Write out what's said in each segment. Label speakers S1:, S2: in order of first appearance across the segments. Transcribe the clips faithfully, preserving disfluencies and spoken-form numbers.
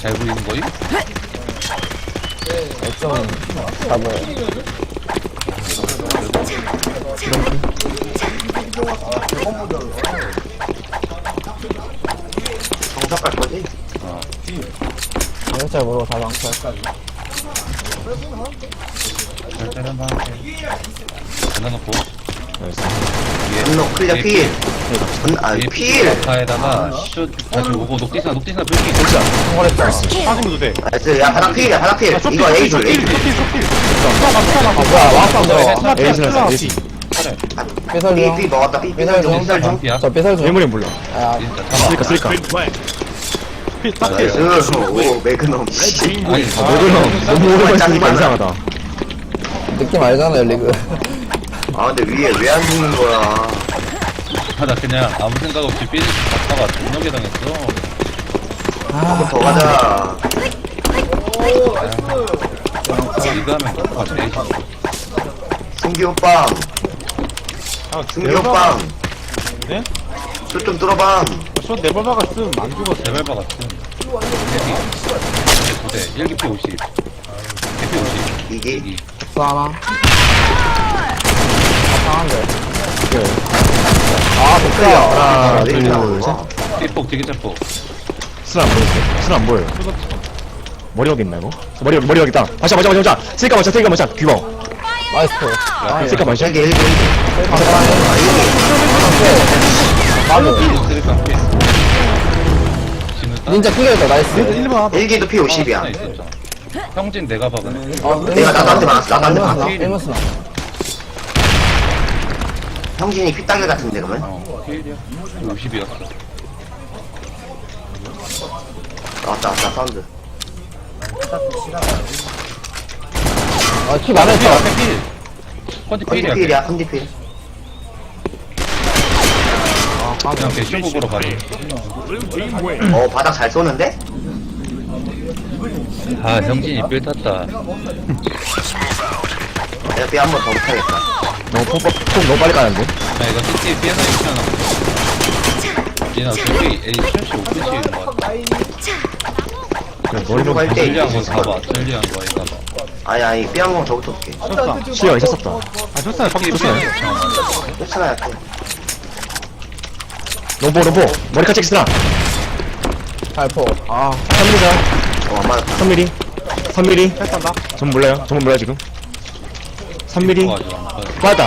S1: 잘 보이는 거임?
S2: 좀 잡아요.
S3: 정석 갈 거지?
S1: 어.
S2: 진짜 모르고 다 망쳐.
S1: 절대 한번 할게. 전화놓고.
S3: 분노 클리어 필. 분, 아, 필.
S1: 아카에다가 슛 다시 오고 녹디스나 녹디스나 불기.
S2: 진짜 성공했다.
S4: 빠지면 돼.
S3: 나이스. 야, 바닥 필이야, 바닥 필.
S4: 쇼필,
S3: 이거 A 줄,
S4: 쇼필,
S3: A
S4: 쇼필,
S3: 줄.
S4: 쇼필, 쇼필.
S2: 아 뭐야 와서 너.
S4: 에이스나 에이스.
S2: 삐설
S3: B,
S2: 중.
S3: B 먹었다. B, B
S2: 삐설
S3: 중,
S2: 중.
S3: B 중.
S1: 반피야.
S2: 저 삐설 중.
S4: 메모리 몰라.
S2: 아
S1: 진짜
S4: 쓸까
S1: 잡아.
S4: 쓸까. 필 딱. 필.
S3: 나이스. 오, 매그넘. 씨.
S1: 아니
S4: 너무 너무 오래 걸리니까 이상하다.
S2: 느낌 알잖아요 리그.
S3: 아, 근데 위에 왜 안 죽는 거야?
S1: 아, 나 그냥 아무 생각 없이 삐질 갔다가 존나게 당했어.
S3: 한번 더 가자.
S1: 이거 하면 똑같아.
S3: 승기 오빠.
S4: 아,
S3: 승기 오빠.
S4: 네?
S3: 슛좀 뚫어봐.
S4: 저 네번 박았음 안 죽었어.
S1: 레벨바 같은. 두 대. 일 기피 오십. 기피 오십.
S3: 이게.
S1: 이.
S2: 또 하나. 상한데. 아
S3: 클리어.
S2: 좋다.
S3: 하나,
S4: 둘,
S3: 둘,
S4: 셋.
S3: 셋.
S1: 삐폭 되게 짜폭.
S4: 술안 보여. 술안 보여. 머리 여기 있나 이거? 머리 여기 머리 여기 있다. 마셔 마셔 마셔 마셔. 쓸까 마셔 쓸까 마셔. 귀여워.
S2: 나이스.
S4: 쓸까 마셔.
S3: 일기, 일기, 일기.
S2: 맞아.
S1: 쓰리깡 삐. 지금 딱
S2: 닌자 클리어했다 나이스.
S4: 일 번.
S3: 일기도 P 오십이야.
S1: 하나 있었잖아. 형진 내가 박은.
S2: 어,
S3: 내가 나한테 맞았어, 나한테
S2: 일문
S3: 맞았어.
S2: 쓰나? 일문 쓰나?
S3: 형진이 피따길 같은데, 그러면?
S1: 어, 필이야. 오십이었어.
S3: 왔다, 왔다, 사운드.
S2: 아키 많았다.
S1: 앞에 필. 컨디
S3: 컨디
S1: 필이야.
S3: 필이야, 컨디 필.
S1: 그냥 배쇼부 보러 가지.
S3: 어, 바닥 잘 쏘는데?
S1: 아, 형진이 필 탔다.
S3: 내가 B 한 번 더 못하겠다.
S4: 너무 폭, 폭 너무 빨리 까는데?
S1: 아, 이거 티티 피해서 있잖아. 얘나 저기 A 칠십오 분 치는 거 같아.
S4: 그래, 머리
S3: 갈
S4: 좀
S3: 때
S1: 전리한 거
S3: 있을
S1: 봐봐.
S3: 걸.
S1: 전리한 거 이거 봐.
S3: 아니, 아니, B 한 번 더 붙어볼게.
S4: 쳤다. 시야 있었었다. 아 쳤어요.
S1: 피
S4: 쳤어요.
S3: 쫓아나야 돼.
S4: 로보 로보. 머리카락 엑스트라.
S2: 발포. 아
S4: 삼 밀리자.
S3: 어, 안 맞았다.
S4: 삼 밀리. 삼 밀리. 전 몰라요. 전문 몰라요 지금. 삼 밀리. 맞다.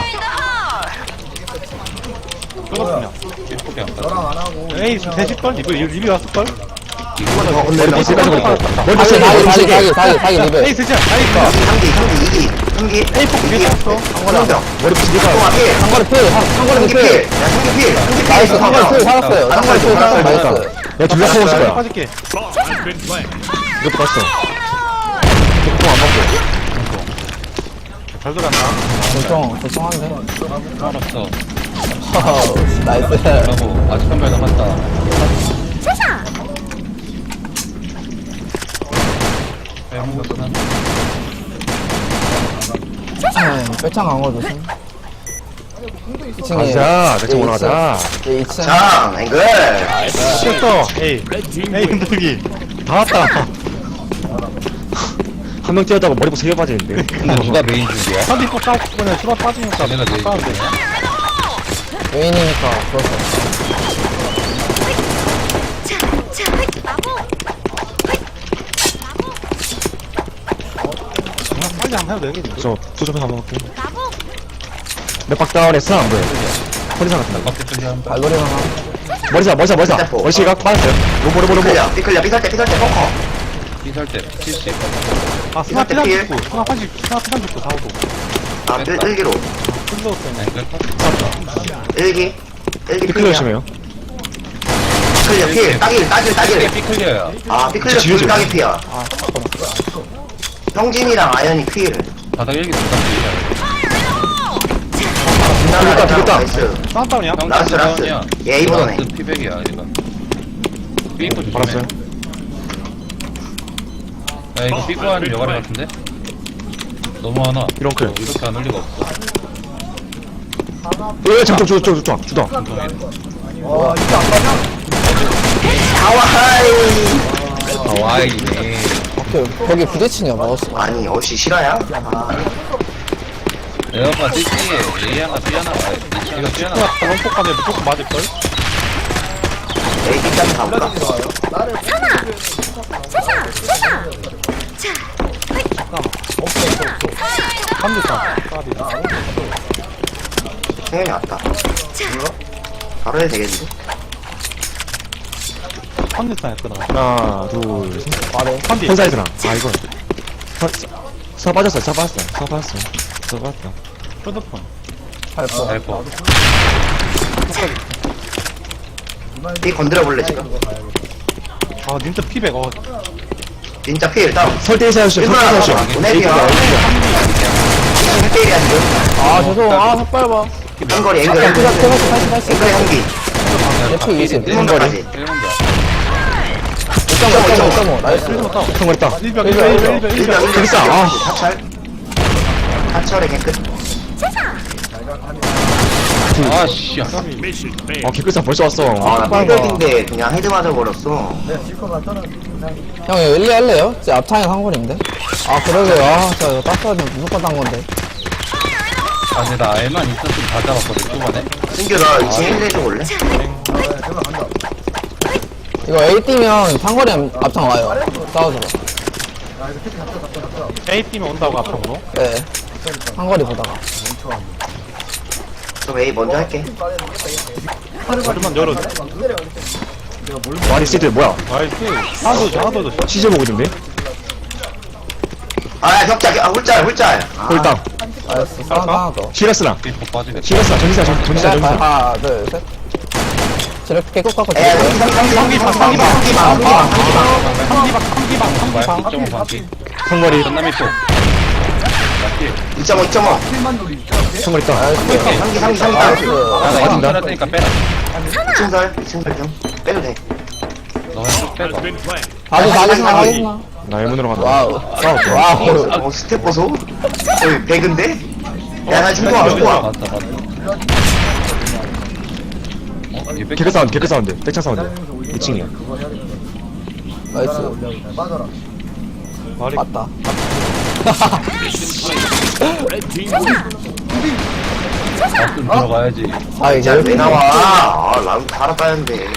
S1: 뚫었으면. 삐폭이 안 갔어.
S4: 에이 되실걸? 이거 리뷰 왔을걸?
S3: 한번 더
S4: 머리
S3: 건드려.
S4: 미스 까지 걸고. 머리
S2: 다기
S4: 미스
S2: 다기
S4: 머리
S2: 다기
S4: 미스.
S2: 다기 다기 다기 리베.
S4: 에이 쓰자. 에이 있어.
S3: 상기, 상기, 이기. 상기.
S4: 에이 폭
S3: 이기.
S4: 위에 쳤어.
S3: 한거령.
S4: 머리 미스 니가.
S3: 동아 필.
S2: 상거리 필. 상거리
S3: 상기
S2: 필.
S3: 필. 야, 상기 필. 상기 필.
S2: 나이스. 상거리 필 살았어요.
S3: 아,
S2: 상거리 필 살았어요.
S3: 살았어요.
S2: 나이스.
S4: 내가 둘다 퍼먹었을 거야.
S5: 빠질게.
S4: 이것도 봤어. 이것도 안 먹고.
S5: 잘 돌았나?
S2: 대충 대충한데.
S1: 알았어.
S2: 허허, 나이스.
S1: 라고 아직 한 발 남았다. 빼먹었구나.
S2: 빼창 강호 조심. 이 층에
S4: 가자. 대충 올라가자.
S2: 예, 이 층.
S3: 장, 앵글.
S5: 쳤어. 에이. 에이 흔들기.
S4: 다 왔다. 한 명 뛰었다고 머리부터 세개 빠지는데.
S1: 근데 누가 메인 중이야?
S5: 선디 꼭 싸우고 그냥 수박 빠지니까
S1: 얘네가 메인
S5: 싸우는데.
S1: 중이야?
S2: 메인이니까 그렇죠.
S5: 그냥 빨리 안 해도 되겠는데.
S4: 저 투점해서 한번 볼게. 몇박 다운에 쓰나 안 보여. 컨디션 같은 거.
S1: 밖에 쪽이 한 발.
S2: 발놀이 하나.
S4: 머리사, 머리사, 머리사.
S3: 스태프.
S4: 머리 시각 빠졌어요. 로보, 로보, 로보.
S3: 삐클리어, 삐클리어, 삐설 때, 삐설 때, 포커.
S1: 피살 때 칠십.
S5: 아 스나
S3: 이럴 때 피해.
S5: 피상 죽고. 스나 팔십, 스나 피상 죽고 사오도.
S3: 아, 일, 일기로.
S5: 끝났어.
S1: 앵글 컷.
S3: 일기. 일기
S4: 피클
S3: 필이야.
S4: 열심히요.
S3: 삐클리어 필. 따길, 따길,
S1: 이게
S3: 따길.
S1: 삐클리어야.
S3: 아, 삐클리어
S4: 지우죠.
S3: 둘 따길 피야.
S5: 아
S3: 형진이랑 아연이 필.
S1: 바닥 일기 둘다 필이야.
S4: 되겠다, 되겠다.
S3: 나이스.
S5: 스나다운이야?
S3: 라스트, 라스트. 예, 이번에.
S1: 라스트 피백이야 이거. 삐고 조심해.
S4: 알았어요.
S1: 야 이거 삐고 하는 여가리 같은데? 너무 하나.
S4: 이런 클.
S1: 이렇게 안 올 리가 없어.
S4: 예, 잠깐, 주, 주, 주, 주다.
S3: 아와하이.
S1: 와이네.
S2: 오케이, 거기 부딪히냐, 마우스.
S3: 아니 어시 실화야? 아,
S1: 에어가 띠띠에 A 하나 B 하나 와야 돼. 이거 B 하나.
S5: 스나 럼폭 가면 무조건 맞을걸?
S3: 에이 뒷장 가볼까?
S5: 삼 대 삼. 까비.
S3: 생현이 왔다. 바로 해도 되겠는데?
S5: 삼 대 삼이었구나.
S4: 하나, 둘, 셋.
S2: 말해.
S5: 삼 대.
S4: 현사이드나. 아, 이거. 사, 사 빠졌어, 사 빠졌어. 사 빠졌어. 사 빠졌다.
S5: 휴대폰.
S2: 팔퍼.
S1: 알퍼.
S3: 이 건드려 볼래 지금?
S5: 아, 진짜 피백. 어,
S3: 진짜 필 다운.
S4: 설대에서 하시오,
S3: 일본아,
S4: 설대에서 하시오.
S3: 보내기야. 일 대일이야 지금.
S2: 아, 죄송. 아, 삭발 봐.
S3: 한거리 앵글
S2: 야,
S3: 앵글
S2: 그냥 태웠어, 다시, 다시.
S3: 앵글 한기.
S2: F 이십.
S3: 일본 거리.
S1: 일본자.
S2: 오 점 오, 오 점 오 점 오. 나이스.
S4: 성공했다.
S5: 일병,
S2: 일병,
S5: 일병,
S2: 일병.
S5: 일병,
S3: 일병
S5: 일병.
S3: 일병.
S4: 됐어. 아.
S3: 사철. 사철의 개끝.
S1: 아, 씨.
S4: 어, 개꿀상 벌써 왔어.
S3: 아, 나
S4: 삭발 봐.
S3: 삐백인데 그냥 헤드 맞아버렸어.
S2: 형, 이거 일리 할래요? 제 앞창에 상골인데? 아, 그러게요. 아, 저 이거 땄어야 되면 무조건 딴 건데.
S1: 아, 근데 나 알만 있었으면 다 잡았거든, 초반에.
S3: 승규 나 이 층 일 해줘 볼래?
S2: 이거 A 뛰면 상골이 앞창 와요. 싸워줘.
S5: A 팀이 온다고 앞으로.
S2: 네. 상골이 보다가.
S3: 그럼 A 먼저 할게.
S5: 머리만 열어.
S4: 와리 시드 뭐야?
S5: 나이스. 하나도 줘, 하나도 줘.
S4: 시즈 보고 있는데?
S3: 아, 야, 격자, 아, 홀짤, 홀짤. 아,
S4: 홀당.
S2: 나이스. 싸움 하나 더.
S4: 시라스나.
S1: 삐폭 빠지겠다.
S4: 시라스나. 전지사, 전- 전지사,
S2: 자,
S4: 전지사.
S2: 하나, 둘, 셋. 저렇게 깨끗 깎고
S3: 에,
S2: 들어가요.
S3: 상기, 상기, 상기, 상기, 상기, 상기, 상기,
S1: 뭐야, 이 점 오 반기.
S4: 성거리.
S1: 전남이 폭.
S3: 이 점 오, 이 점 오.
S4: 성거리 있다.
S2: 나이스.
S3: 상기, 상기, 상기,
S2: 나이스.
S3: 나이스.
S1: 야, 나 이층 살았으니까 빼라.
S3: 이 층 설, 이 층 설 좀. 빼도 돼.
S1: 너가 쭉 빼봐.
S2: 다시, 다시, 다시.
S4: 나 일문으로 간다.
S2: 와우.
S4: 싸웠다.
S2: 와우.
S3: 어, 스텝 보소? 거의 백인데? 야, 나 중고 와, 중고 와.
S1: 맞다, 맞다. 어, 얘 백-
S4: 개그 사운드, 개그 사운드. 백창 사운드. 이 층이야.
S2: 나이스.
S5: 머리.
S2: 맞다.
S1: 가끔 들어가야지.
S2: 아, 이제
S3: 야, 왜 나와? 아, 라운 갈아 따는데.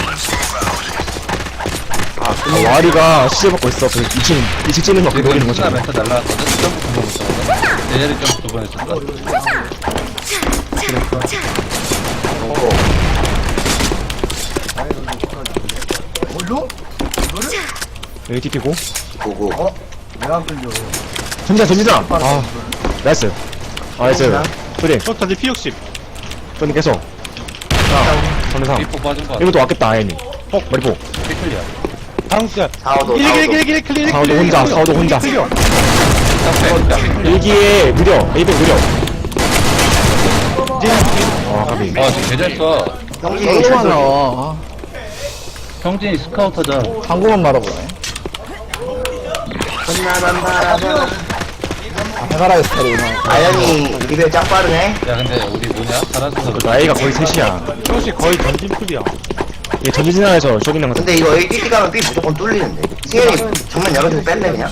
S3: 아,
S4: 아, 와리가 시즈 받고 있어. 그 이 층, 이 층 찌는 거 그거 노리는
S1: 스나
S4: 거잖아.
S1: 멘트 날라왔거든? 점프 두번 했었거든? 내 자리 점프 두번 했었어.
S4: 여기 티피고.
S3: 보고.
S4: 전지사, 전지사. 아, 나이스. 아, 나이스. 소리.
S5: 저 전지 피 육십.
S4: 좀 계속. 자, 전지사.
S1: 삐폭 빠진 거 같아.
S4: 이것도 왔겠다, 아연이. 어, 머리포.
S1: 삐클리야.
S5: 당수야.
S3: 사오도,
S5: 일, 일,
S3: 사오도.
S5: 일, 일, 일, 클릭,
S4: 사오도
S5: 클릭,
S4: 혼자,
S5: 클릭.
S4: 사오도 혼자.
S5: 클릭.
S4: 일기에 느려. 에이백 느려. 아, 가비.
S1: 아, 쟤 개잘 써.
S3: 형진이
S2: 너무
S3: 철저히.
S2: 많아.
S1: 형진이 스카우터자.
S2: 방구만 말아보네.
S3: 끝나만 바라봐.
S2: 아, 해바라기 스타일이구나.
S3: 아연이 리벨 짱 빠르네.
S1: 야, 근데 우리 뭐냐? 잘하셔서
S4: 나이가 거의 셋이야.
S5: 조시 거의 전진 풀이야.
S4: 이게 전지진화에서 쇼기는 거잖아.
S3: 근데 이거 A 띠 가면 B 무조건 뚫리는데. 승현이 정면 열어주고 뺄래, 그냥?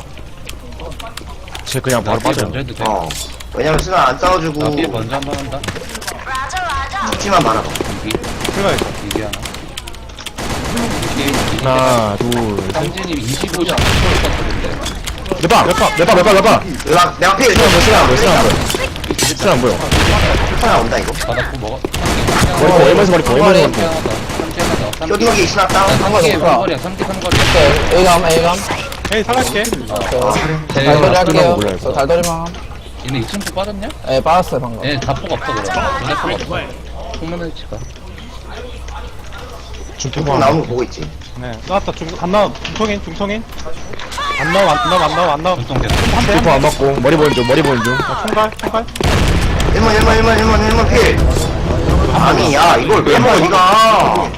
S4: 쟤 그냥 바로
S1: 나
S4: 빠져.
S1: 먼저 해도 돼.
S3: 어. 왜냐면 수나 안 싸워주고
S1: 나 삐 먼저 한 번 한다.
S3: 죽지만 말아봐.
S1: 이기.
S5: 들어가야지.
S1: 이기 하나. 이기, 이기.
S4: 하나, 둘, 셋.
S1: 형진이 이십오 점 쳤거든데.
S4: 몇 바? 몇 바? 몇 바? 몇 바? 몇 바?
S3: 내가, 내가 필.
S4: 쓰나 안 보여, 쓰나 안 보여, 쓰나 안 보여. 쓰나 안 보여.
S3: 하나 온다, 이거.
S1: 바닥고 먹어.
S4: 머리포, 얼마에서 머리포, 얼마에서
S1: 삼기
S4: 머리포.
S1: 하나 더. 삼기 하나 더.
S3: 쇼딩기 신화 다운.
S1: 삼기
S2: 높아.
S1: 삼거리야. 삼기 삼거리야.
S2: 오케이. A감, A감.
S5: 에이, 살갈게.
S2: 달돌이
S4: 끝나고
S2: 할게요.
S4: 몰라요,
S2: 저 달돌이만 함.
S1: 얘네 이 층 포 빠졌냐?
S2: 예, 빠졌어요, 방금.
S1: 얘네 다 포가 없어, 그럼. 눈에 포가 없어. 통면을 치가.
S3: 중통 나오는 거 보고 있지.
S5: 네. 나왔다. 중, 안 나와. 중통인, 중통인. 안 나와, 안 나와, 안 나와, 안 나와.
S1: 눈통 계속.
S5: 한 대.
S4: 피포 안 맞고, 머리 보는 중, 머리 보는 중.
S5: 아, 총갈, 총갈.
S3: 일번, 일번, 일번, 일번, 일번 필. 아니, 야, 이걸 왜 먹어, 니가.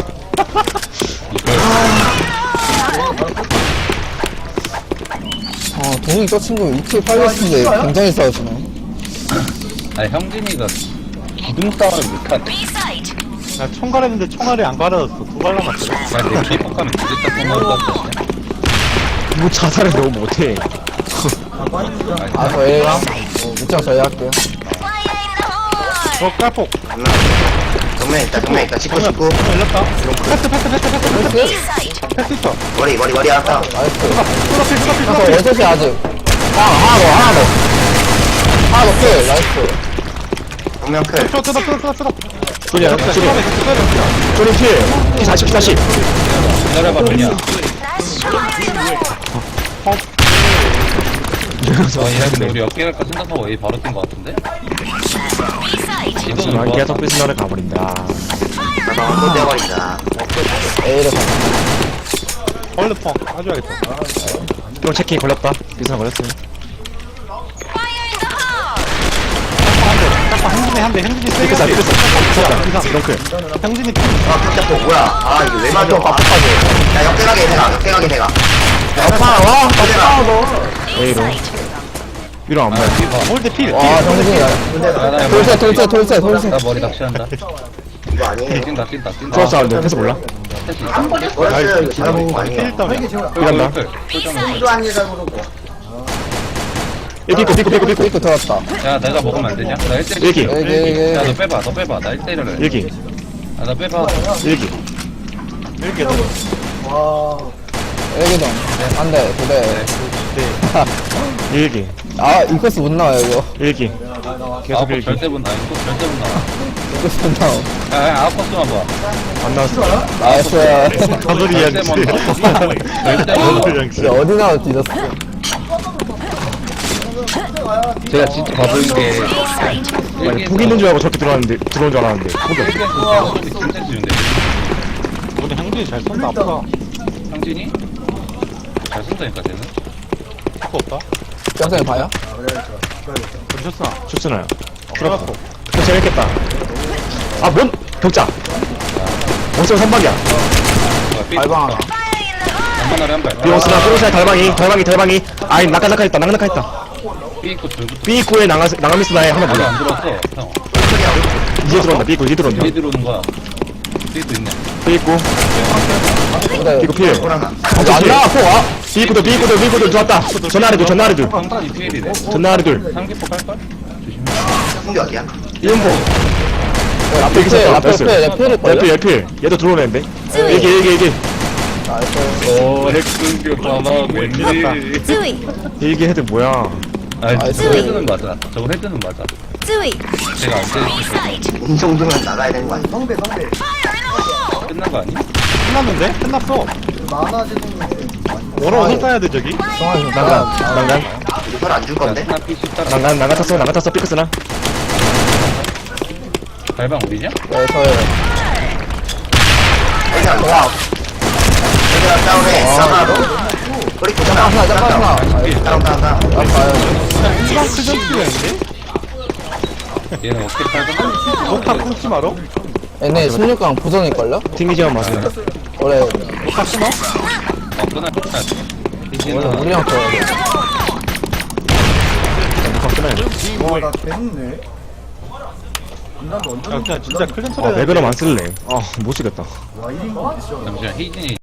S2: 어, 동욱이 저 친구 이 킬 팔렸는데 굉장히 싸우시네.
S1: 아니, 형진이가 기둥 싸움을 못하네.
S5: 나 총갈 했는데 총알이 안 갈아졌어. 두 발 남았어.
S1: 야, 내 피폭 가면 뒤졌다 포만 떴거든.
S4: 뭐 자살을 너무 못해.
S2: 아, 저희랑 밑장 저희 할게요.
S5: 어 깔폭
S3: 정면 있다 정면 있다 찍고 찍고
S5: 열렸다 패스 패스 패스 패스
S2: 나이스.
S5: 패스 있어
S3: 머리 머리 머리 왔다
S2: 나이스.
S5: 쏘라필 쏘라필
S2: 저
S5: 쏘라필
S2: 월셋이 아직. 하나, 하나 더, 하나 더. 하나 더 필. 나이스.
S3: 정면 클
S5: 쏘 쏘다 쏘다 쏘다 쏘다
S4: 쪼리야, 쪼리. 쪼리 필. 피 사십, 피 사십.
S1: 기다려봐 그냥 어 이랬는데 우리 어깨 갈까 생각하고 A 바로 뛴거 같은데? 이거는
S4: 하지만
S1: 뭐
S4: 계속 삐스너를 가버린다.
S3: 나도 한번 떼버린다
S2: A를 가.
S5: 얼른 펑 아줘야겠다
S4: 형 체킹 걸렸다. 삐스너 걸렸어요.
S5: 짝방 행진이 한대 행진이 세게
S4: 삐끗사,
S5: 한대
S4: 삐끗사. 삐끗사. 이런클.
S5: 행진이
S3: 아 깜짝도 뭐야 아 이거 왜 맞아 야 역대가게 대가 역대가게 대가
S2: 아파, 와,
S3: 역대가
S2: 아파, 너.
S4: A로. 위로 안 보여.
S5: 홀드 필
S2: 와, 정신이.
S1: 나
S2: 돌쇠, 돌쇠, 돌쇠, 돌쇠.
S1: 머리 낚시한다
S3: 이거 아니에요
S1: 뛴다 뛴다 뛴다
S4: 크로스 하는데 패스 몰라?
S3: 버렸어요 이거 잘해본 거 아니에요
S5: 필 떠네
S4: 이간다. 삐 삐꾸, 삐꾸, 삐꾸, 삐꾸.
S2: 삐꾸 들어왔다.
S1: 야 내가 먹으면 안 되냐? 나 일 대 일
S4: 일기.
S2: 여기, 여기.
S1: 야너 빼봐 너 빼봐 나 일 대 일을 해
S4: 일기.
S1: 아나 빼봐
S4: 일기.
S5: 이렇게
S2: 여기동. 안 돼, 두 대.
S4: 일기.
S2: 아, 이 코스 못 나와요, 이거.
S4: 일기.
S1: 아홉
S4: 계속
S1: 번
S4: 일기.
S1: 절대 못 나와 이거 절대 못 나와
S2: 이 코스 못 나와.
S1: 야야 아홉 번만 봐
S4: 안 나왔어.
S2: 나이스.
S4: 사소리
S1: 절대 못 나와 절대 못 나와
S2: 이제 어디 나와 뒤졌어.
S1: 제가 진짜 바보인 게
S4: 아니, 폭 있는 줄 알고 저렇게 들어왔는데, 들어온 줄 알았는데. 폭이 없어.
S1: 일기에서 진짜 지운데
S5: 오늘 행진이 잘 쏜다 아프다
S1: 상진이? 잘 쓴다니까 쟤는
S5: 아프 없다
S2: 영상에 봐요?
S5: 그러셨으나
S4: 좋잖아요.
S5: 들어갔고
S4: 그 재밌겠다. 아, 뭔? 격자. 원성 선박이야.
S2: 발방 하나.
S1: 한번하래 한발
S4: 비용스나, 비용스나 달방이, 달방이, 달방이. 아이, 낙하낙하했다, 낙하낙하했다.
S1: 삐있고 들고
S4: 삐꾸에 나가, 나가미스나에 하나
S1: 아직
S4: 보자.
S1: 안 들어왔어 형
S4: 이제 들어온다, 삐꾸, 이제 들어온다.
S1: 뒤에 들어오는 거야 삐도 있네
S4: 삐꾸,
S2: 근데
S4: 삐꾸 필.
S2: 안 나와, 포 와.
S4: 삐꾸도, 삐꾸도, 삐꾸도 들어왔다. 전나리 둘, 전나리 둘.
S1: 방탄이 피엘이래
S4: 전나리 둘.
S1: 삼기포 깔걸?
S3: 충격이야
S4: 이은보.
S2: 앞에
S4: 여기
S2: 필,
S4: 있었다,
S2: 앞에
S4: 나이스.
S2: 필, 내 필일 걸요?
S4: 열필, 열필. 얘도 들어오는데. 얘기, 얘기, 얘기.
S2: 나이스.
S1: 오 핵승교 봐봐 왠지
S6: 쯔위
S4: 얘기 헤드 뭐야.
S1: 아니
S2: 나이스.
S1: 저거 헤드는 맞아 저거 헤드는 맞아
S6: 쯔위
S1: 제가 안 때리고
S3: 이 정도면 나가야 되는 거 아니야
S1: 끝난 거 아니?
S5: 끝났는데? 끝났어 뭐라고 헐따야 돼 저기?
S2: 정말
S4: 난간, 난간.
S3: 이거 설안줄 건데
S1: 스나 피 십다
S4: 난간, 난간 탔어, 난간 탔어, 삐끗으나.
S1: 발방 우리냐?
S2: 네, 저예요.
S3: 여기가 좋아 여기가 다운해 싸마로 우리 고잖아
S2: 하나, 하나, 하나.
S3: 다운 다운 다운
S2: 나 봐요.
S5: 이방 크전 뛰었는데?
S1: 얘는 어떻게 팔까?
S5: 녹화 끊지 마로?
S2: 얘네 십육 강 부전일걸요?
S4: 튕기지만 마세요.
S2: 원래,
S5: 녹화 끊어?
S1: 어 끊어 끊어
S2: 원래 우리랑 줘야 돼.
S4: 아, 끊어야지.
S5: 야 그냥 진짜 클랜
S4: 아,
S5: 소리
S4: 매그넘 안 쓸래. 아, 못 쓰겠다.
S1: 잠시만 헤이진이